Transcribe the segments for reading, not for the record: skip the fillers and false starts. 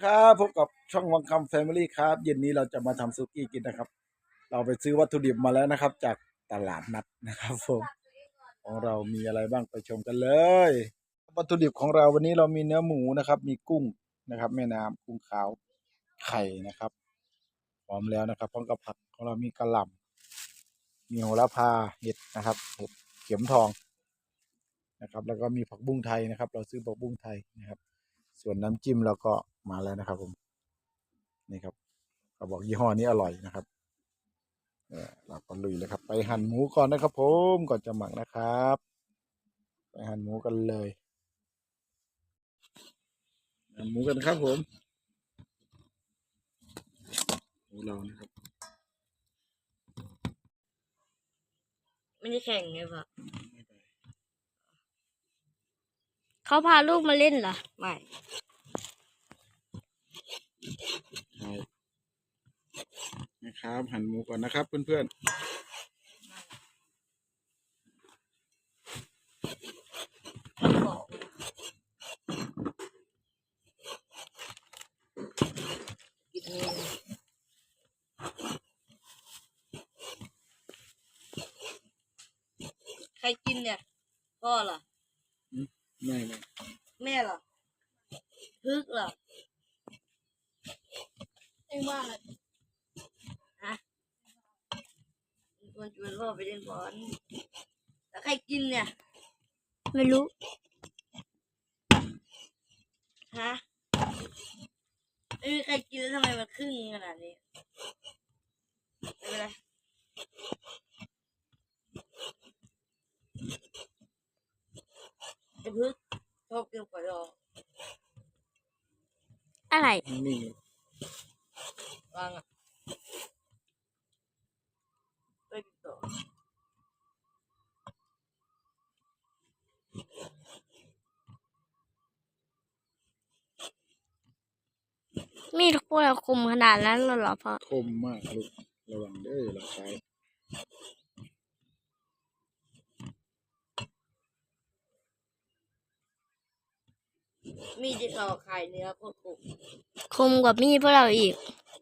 ครับพบกับช่องวังคำแฟมิลี่ครับเย็นนี้เราจะมาทำซุกี้กินนะครับเราไปซื้อวัตถุดิบมาแล้วนะครับจากตลาดนัดนะครับผมของเรามีอะไรบ้างไปชมกันเลยวัตถุดิบของเราวันนี้เรามีเนื้อหมูนะครับมีกุ้งนะครับแม่น้ำกุ้งขาวไข่นะครับพร้อมแล้วนะครับพร้อมกับผักของเรามีกะหล่ำมีโหระพาเห็ดนะครับเห็ดเข็มทองนะครับแล้วก็มีผักบุ้งไทยนะครับเราซื้อผักบุ้งไทยนะครับส่วนน้ำจิ้มเราก็มาแล้วนะครับผมนี่ครับเขาบอกยี่ห้อนี้อร่อยนะครับเราก็ลุยเลยครับไปหั่นหมูก่อนนะครับผมก่อนจะหมักนะครับไปหั่นหมูกันเลยหั่นหมูกันครับผมหมูเรานะครับไม่ได้แข่งไงปะเขาพาลูกมาเล่นเหรอไม่ใช่นะครับหั่นหมูก่อนนะครับเพื่อนกินนี่ใครกินเนี่ยพ่อเหรอๆไม่แม่เหรอพึกเหรอเอ็งว่าอะไรฮะควรชวนพ่อไปเล่นบอลแล้วใครกินเนี่ยไม่รู้ฮะไม่มีใครกินแล้วทำไมมันครึ่งขนาดนี้ไม่เป็นไรไอ้พึกชอบกินก๋วยดองอะไรนิ่งวางอ่ะไปติดต่อมีดพวกเราคมขนาดนั้นเลยเหรอพ่อๆคมมากลูกระวังเด้อเราใช้มีดที่เราขายเนื้อโคตรขมคมกว่ามีดพวกเราอีก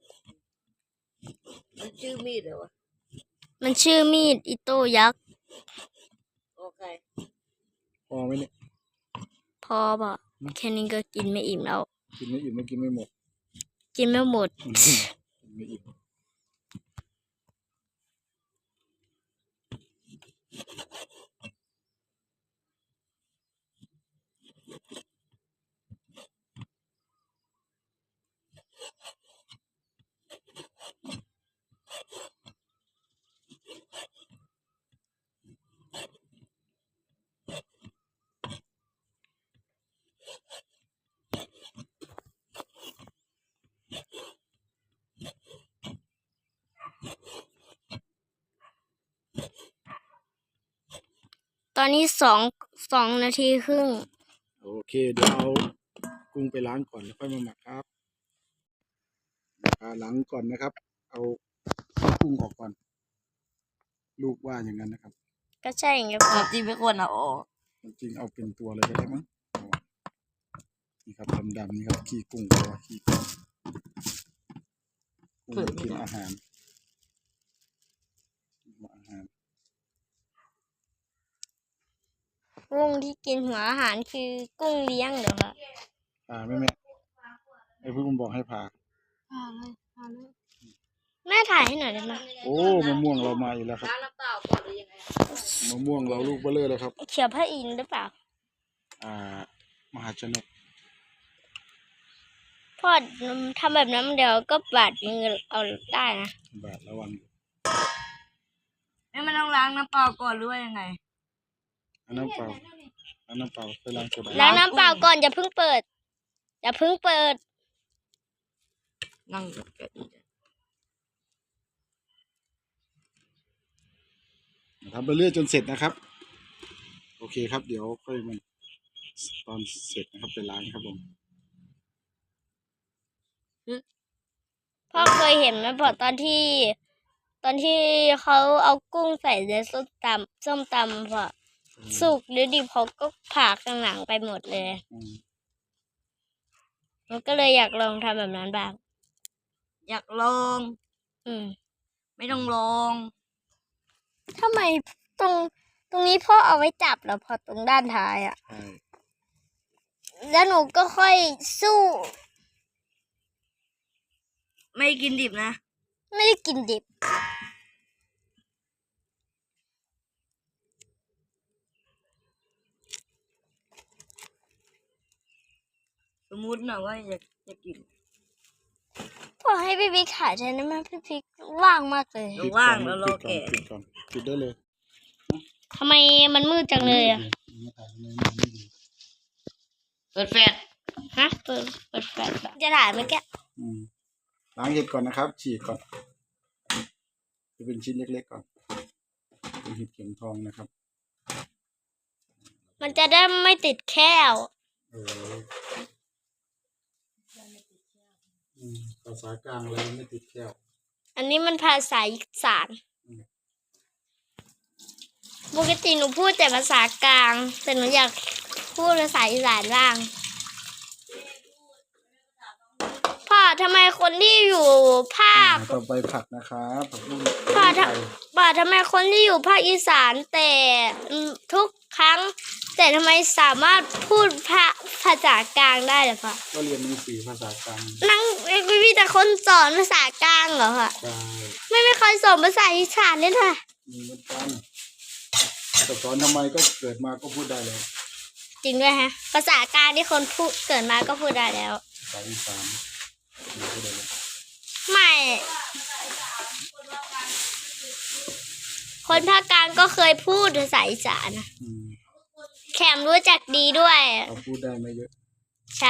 มันชื่อมีดเหรอวะมันชื่อมีดอิโต้ยักษ์โอเคพอไหมเนี่ยพอป่ะแค่นี้ก็กินไม่อิ่มแล้วกินไม่อิ่มไม่กินไม่หมดกินไม่หมดกินไม่อิ่มตอนนี้สองนาทีครึ่งโอเคเดี๋ยวเอากุ้งไปล้างก่อนแล้วค่อยมาหมักครับล้างก่อนนะครับ เอากุ้งออกก่อน ลูกว่าอย่างนั้นนะครับก็ใช่ไงพ่อจริงไม่ควรเอาออกจริงเอาเป็นตัวเลยก็ได้มั้งนี่ครับดำๆนี่ครับขี้กุ้งตัวขี้กุ้งกินอาหารกุ้งที่กินหัวอาหารคือกุ้งเลี้ยงเหรอคะผ่าไหมแม่ไอ้พี่คุณบอกให้ผ่าแม่ถ่ายให้หน่อยได้ไหมโอ้มะม่วงเรามาอีกแล้วครับล้างน้ำเปล่าก่อนหรือยังไงมะม่วงเราลูกเบลอเลยครับเขียวพระอินทร์หรือเปล่ามหาชนกพ่อทำแบบนั้นเดี๋ยวก็บาดมือเอาได้นะบาทระวังไม่มันต้องล้างน้ำเปล่าก่อนหรือว่ายังไงอันน้ำเปล่าไปล้างโซดาล้างน้ำเปล่าก่อนอย่าเพิ่งเปิด อย่าเพิ่งเปิดนั่งกับแกอีกทำไปเรื่อยจนเสร็จนะครับ โอเคครับ เดี๋ยวค่อยมาตอนเสร็จนะครับไปล้างครับผมพ่อเคยเห็นไหมพอตอนที่เขาเอากุ้งใส่ในส้มตำพอสุกหรือดิบเขาก็ผ่าข้างหลังไปหมดเลยไปมันก็เลยอยากลองทำแบบนั้นบ้างอยากลองอืมไม่ต้องลองทำไมตรงนี้พ่อเอาไว้จับเหรอพอตรงด้านท้ายอ่ะใช่แล้วหนูก็ค่อยสู้ไม่กินดิบนะไม่ได้กินดิบสมมุตินะว่าอยากกินพอให้พี่บิ๊กถ่ายแทนได้ไหมพี่บิ๊กว่างมากเลยเราว่างแล้วรอแกะปิดก่อนปิดได้เลยทำไมมันมืดจังเลยอ่ะเปิดแฟลชฮะเปิดแฟลชอะจะถ่ายเมื่อกี้อืมล้างเห็ดก่อนนะครับ ฉีกก่อนจะเป็นชิ้นเล็กๆก่อนเป็นเห็ดเข็มทองนะครับมันจะได้ไม่ติดแค้วเออภาษากลางแล้วไม่ติดแก้วอันนี้มันภาษาอีสานปกติหนูพูดแต่ภาษากลาง แต่หนูอยากพูดภาษาอีสานบ้างพ่อทำไมคนที่อยู่ภาคต่อไปผักนะครับผักบุ้งพ่อไทยทำไมคนที่อยู่ภาคอีสานแต่ทุกครั้ง แต่ทำไมสามารถพูดภาษากลางได้เหรอพ่อก็เรียนหนังสือภาษากลางนั่งมีแต่คนสอนภาษากลางเหรอพ่อใช่ไม่เคยสอนภาษาอีสานเลยค่ะมีเหมือนกันแต่สอนทำไมก็เกิดมาก็พูดได้เลยจริงด้วยฮะ ภาษากลางที่คนพูดเกิดมาก็พูดได้แล้วภาษาอีสานพูดได้เลยไม่ คนภาคกลางก็เคยพูดภาษาอีสานนะอืมแขมรู้จักดีด้วยเขาพูดได้ไม่เยอะใช่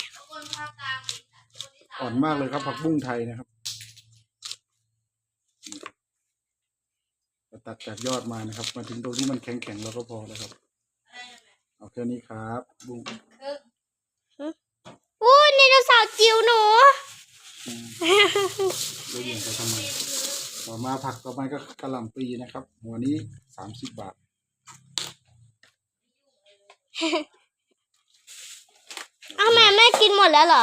อ่อนมากเลยครับผักบุ้งไทยนะครับตัดจากยอดมานะครับ มาถึงตรงที่มันแข็งๆแล้วก็พอแล้วครับเอาแค่นี้ครับบุ้งอู้ไดโนเสาร์จิ๋วหนูแล้วยิงเขาทำไมต่อมาผักต่อไปก็กะหล่ำปลีนะครับ หัวนี้30 บาทอ้าวแม่กินหมดแล้วเหรอ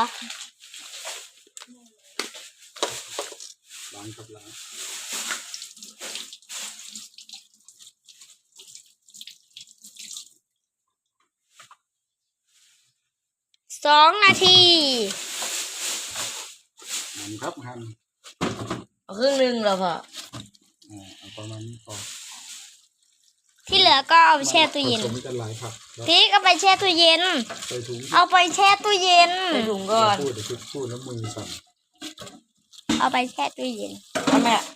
ล้างกับล้าง 2 นาทีหั่นครับหั่นเอาครึ่งหนึงเหรอพ่อเอาประมาณนี้พอที่เหลือก็เอาไปแช่ตู้เย็นผสมกันหลายผักแล้วพี่ก็ไปแช่ตู้เย็นใส่ถุงเอาไปแช่ตู้เย็นใส่ถุงก่อนพูดเดี๋ยวพูดแล้วมือสั่นเอาไปแช่ตู้เย็นทำไมอะ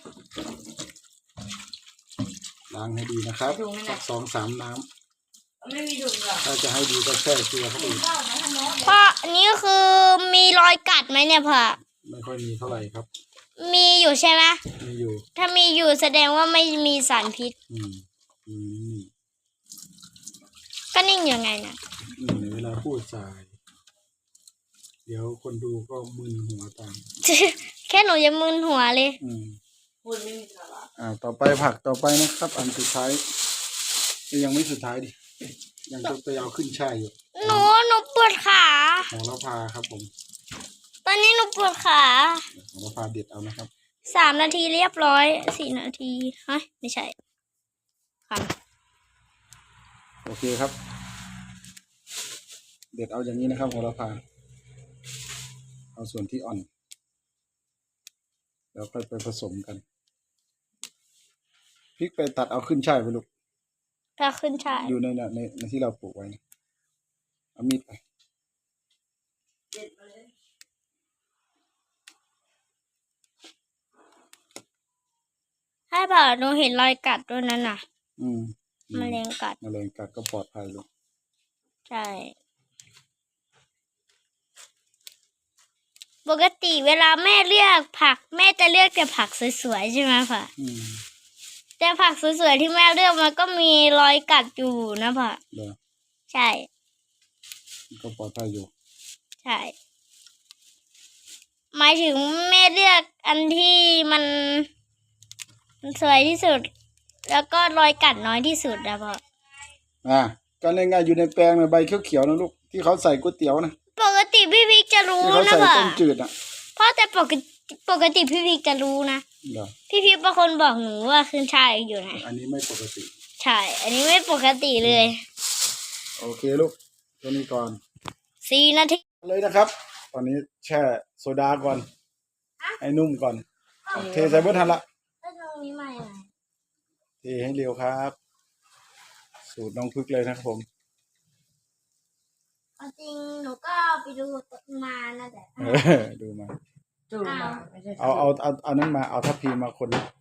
ล้างให้ดีนะครับถุงนั่นน่ะสัก2-3 น้ำไม่มีถุงเหรอถ้าจะให้ดีก็แช่เกลือเข้าไปอีกเพราะอันนี้คือมีรอยกัดไหมเนี่ยพ่อไม่ค่อยมีเท่าไหร่ครับมีอยู่ใช่ไหมมีอยู่ถ้ามีอยู่แสดงว่าไม่มีสารพิษอืมอืมก็นิ่งยังไงนะเวลาพูดสาย เดี๋ยวคนดูก็มึนหัวตามแค่หนูยังมึนหัวเลยพูดไม่มีสาระต่อไปผักต่อไปนะครับ อันสุดท้ายยังไม่สุดท้ายดิยังจะไปเอาขึ้นช่ายอยู่หนูปวดขาโหระพาครับผมตอนนี้หนูปวดขาโหระพาเด็ดเอานะครับ 3 นาทีเรียบร้อย 4 นาทีเฮ้ยไม่ใช่ค่ะโอเคครับ เด็ดเอาอย่างนี้นะครับโหระพาเอาส่วนที่อ่อน แล้วค่อยไปผสมกันพริกไปตัดเอาขึ้นช่ายไปลูกถ้าขึ้นชายอยู่ในที่เราปลูกไว้นะเอามีดไปให้เปล่าหนูเห็นรอยกัดด้วยนั่นน่ะอืมแมลงกัดแมลงกัดก็ปลอดภัยลูกใช่ ปกติเวลาแม่เลือกผัก แม่จะเลือกแต่ผักสวยๆใช่ไหมพ่ออืมแต่ผักสวยๆที่แม่เลือกมันก็มีรอยกัดอยู่นะพ่อเดี๋ยวใช่ก็ปลอดภัยอยู่ใช่ หมายถึงแม่เลือกอันที่มันสวยที่สุด แล้วก็รอยกัดน้อยที่สุดนะพ่อก็ง่ายๆอยู่ในแปลงในใบเขียวๆนะลูกที่เขาใส่ก๋วยเตี๋ยวนะปกติพี่พิกจะรู้ที่เขานะใส่พ่อต้มจืดอ่ะพ่อแต่ปกติพี่พิกจะรู้นะเหรอพี่พิกเป็นคนบอกหนูว่าขึ้นช่ายอยู่นะอันนี้ไม่ปกติใช่ อันนี้ไม่ปกติเลยโอเคลูกตัวนี้ก่อน 4 นาทีเลยนะครับ ตอนนี้แช่โซดาก่อน ให้นุ่มก่อน เทใส่เบิร์ทันละแล้วตรงนี้ใหม่ไหนเทให้เร็วครับ สูตรน้องพึกเลยนะครับผมจริงหนูก็ไปดูมานะแต่ดูมาจูบมาไม่ใช่เอานั้นมาเอาทัพพีมาคนนี้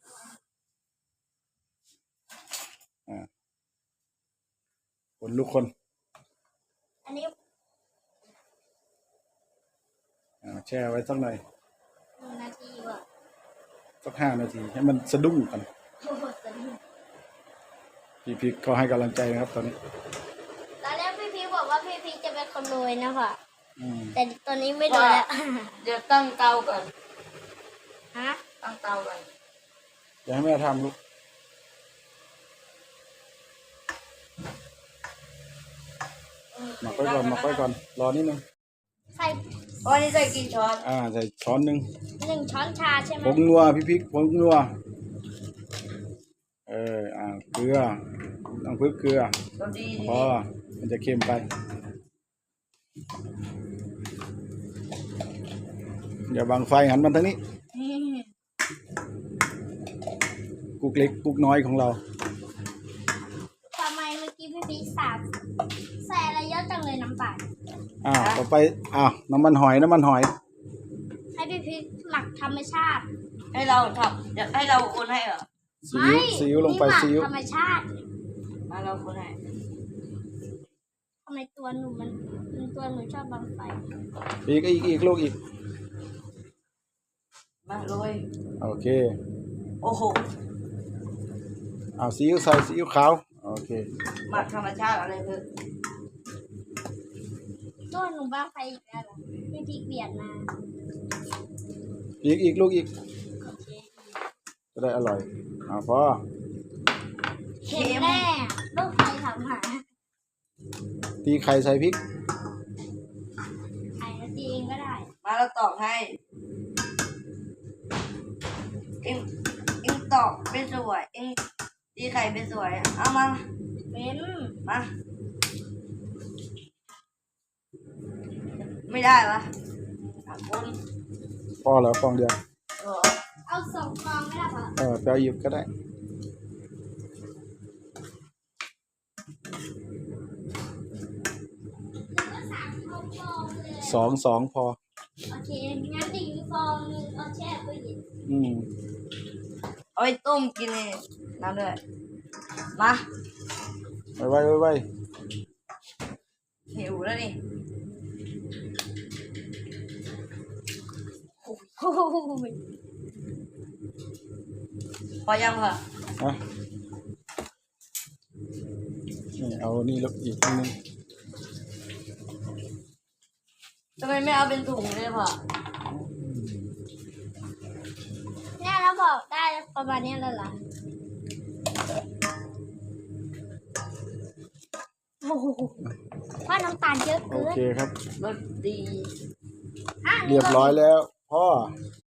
คนลูกคนอันนี้แช่ไว้สักหน่อย 1 นาทีว่ะสัก5 นาที ให้มันสะดุ้งกันโอ้โหสนุกพี่พิกเขาให้กำลังใจนะครับ ตอนนี้ตอนแรกพี่พีบอกว่าพี่พีจะเป็นคนรวยนะพ่ออืมแต่ตอนนี้ไม่รวยแล้วเดี๋ยวตั้งเตาก่อนฮะตั้งเตาก่อนเดี๋ยวให้แม่ทำลูกหมักไว้ก่อนหมักไว้ก่อน รอนิดนึงใส่วันนี้ใส่กี่ช้อนใส่ช้อนหนึ่ง 1 ช้อนชาใช่ไหมผงนัวพี่พริกผงนัวเกลือต้องพึ่งเกลือตัวดีพอมันจะเค็มไปอย่าบังไฟหันมันทางนี้ กุกเล็กกุกน้อยของเราทำไมเมื่อกี้พี่พีใส่อะไรเยอะจังเลยน้ำปลาต่อไปน้ำมันหอยน้ำมันหอยให้พี่พีหมักธรรมชาติให้เราทำจะให้เราคนให้เหรอซีอิ๊วลงไปนี่หมักซีอิ๊วธรรมชาติมาเราคนให้ทำไมตัวหนูตัวหนูชอบบังไฟอีกลูกอีกมาโรยโอเคโอ้โหซีอิ๊วใส่ซีอิ๊วขาวโอเคหมักธรรมชาติอะไรคือตัวหนูบังไฟอีกแล้วเหรอพี่พีเปลี่ยนมาอีกลูกอีกโอเคจะได้อร่อยพอเข็มแน่ลูกใครทำหาตีไข่ใส่พริกใครจะตีเองก็ได้มาเราตอกให้เอ็งตอกเป็นสวยเอ็งตีไข่เป็นสวยเอามาเป็นมาไม่ได้วะคนพอแล้วฟองเดียวเอา2 ฟองไม่ได้ปะไปเอาหยิบก็ได้ก็3 ฟองเลยสองพอโอเคงั้นอีกฟองนึงเอาแช่ตู้เย็นเอาไปต้มกินเลยน้ำด้วยมาไว้หิวแล้วนี่โอ้โหพอยังเหรอนี่เอานี่ลูกอีกนิดนึงทำไมไม่เอาเป็นถุงเลยพ่อเนี่ยเราบอกได้ประมาณนี้แล้วเหรอโอ้โหว่าน้ำตาลเยอะโอเกินเคครับรสดีอ่ะเรียบร้อยแล้วพ่อ